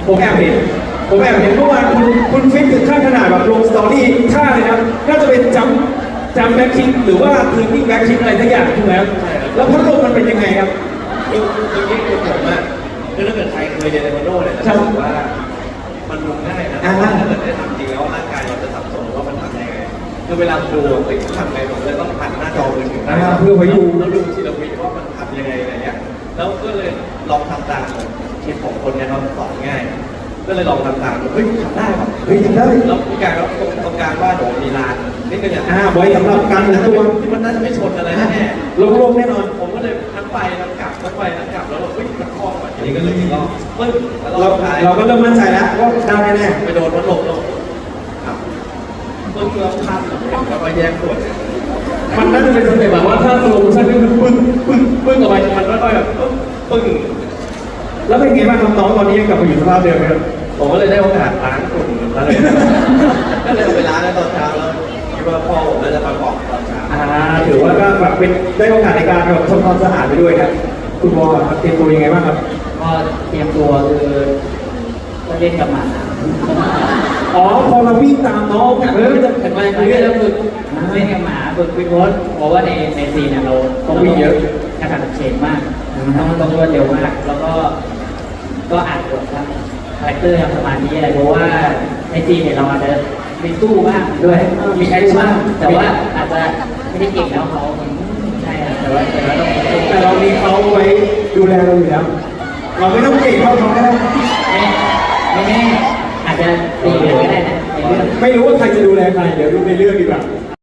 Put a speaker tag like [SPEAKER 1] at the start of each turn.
[SPEAKER 1] ผมแอบเห็นเมื่อวานคุณฟิตถึงขั้นขนาดแบบลงสตอรี่ท่าเลยนะน่าจะเป็นจัมแบ็คคิกหรือว่าเทิร์นนิ่งแบ็คคิกอะไรสักอย่างถูกไหมครับแล้วพัดลมมันเป็นยังไงครับ
[SPEAKER 2] คือผมอ่ะคือถ้าเกิดใครเคยเรียนเทควันโดเนี่ยจะรู้ว่ามันลงง่ายนะถ้าเกิดได้ทำจริงแล้วร่างกายเราจะสับสนว่ามันทำยังไงคือเวลาดูทำไงผมเลยต้องหันหน้าจอมือถือ
[SPEAKER 1] เพื่อไปดู
[SPEAKER 2] แล้วดูทีละวิว่ามันทำยังไงอะไรเงี้ยแล้วก็เลยลองทำตามเห็นของคนเนี่ยเขาสอนง่ายก็เลยลองทำตามเฮ้ยทำได้ป่ะ
[SPEAKER 1] ทำได้
[SPEAKER 2] แล้วมีการแล้วตรงกลางว่าโดมีลานนี่ก็อย่าง
[SPEAKER 1] ไว้สำหรับการตัว
[SPEAKER 2] ที่มันน่าจะไม่ชนอะไรแน่
[SPEAKER 1] ลงแน่นอน
[SPEAKER 2] ผมก็เลยทั้งไปทั้งกลับแล้วเฮ้ยมันคล่องอ่ะทีนี้ก็เลยก็ปึ้ง
[SPEAKER 1] เราก็เริ่มมั่นใจแล้วว่าได้แน่
[SPEAKER 2] ไปโดนมันหลบครับปึ้งแล้วพันแล้วก็แยกส่วน
[SPEAKER 1] มันน่าจะเป็นสเต็ปแบบว่าถ้าสโลโมชั่นก็คือปึ้งออกไปมันก็แบบปึ้งแล้วเป็นไงบ้างครับน้องตอนนี้ยังกลับมาอยู่สภาพเดิมไหมครับ
[SPEAKER 2] ผมก็เลยได้โอกาสล้างกลุ่มแล้วเลยก็เลยไปล้างในตอนเช้าแล้วคิดว่าพ่อผมน่าจะมาบอกตอนเช้า
[SPEAKER 1] ถือว่าก็แบบเป็นได้โอกาสในการแบบทำความสะอาดไปด้วยครับคุณวอเตรียมตัวยังไงบ้างครับ
[SPEAKER 3] ก็เตรียมตัวคือก็เล่นกับหมา
[SPEAKER 1] พอเราวิ่งตามน้องเนี่ย
[SPEAKER 3] จะเห็นไหมเรื่องแล้วฝึกเล่นกับหมาฝึกวิ่งรถเพราะว่าในซีนเรา
[SPEAKER 1] ต้องวิ่งเยอะ
[SPEAKER 3] กระสับเฉดมากต้องรวดเร็วมากแล้วก็อ่านบทครับคาแรคเตอร์ทำสมาธิอะไรเพราะว่าในซีนเนี่ยเราอาจจะมีสู้บ้างด้วยมีแอคชั่นแต่ว่าอาจจะไม่ได้เก่งแล้วเขาใช่แต่ว่า
[SPEAKER 1] แต่เรามีเขาไว้ดูแลเราอยู่แล้วเราไม่ต้องเก่งเท่าเขาก็ได้
[SPEAKER 3] ไม่อาจจะตีเหลือก็ได้นะในเรื่อง
[SPEAKER 1] ไม่รู้ว่าใครจะดูแลใครเดี๋ยวดูในเรื่องดีกว่า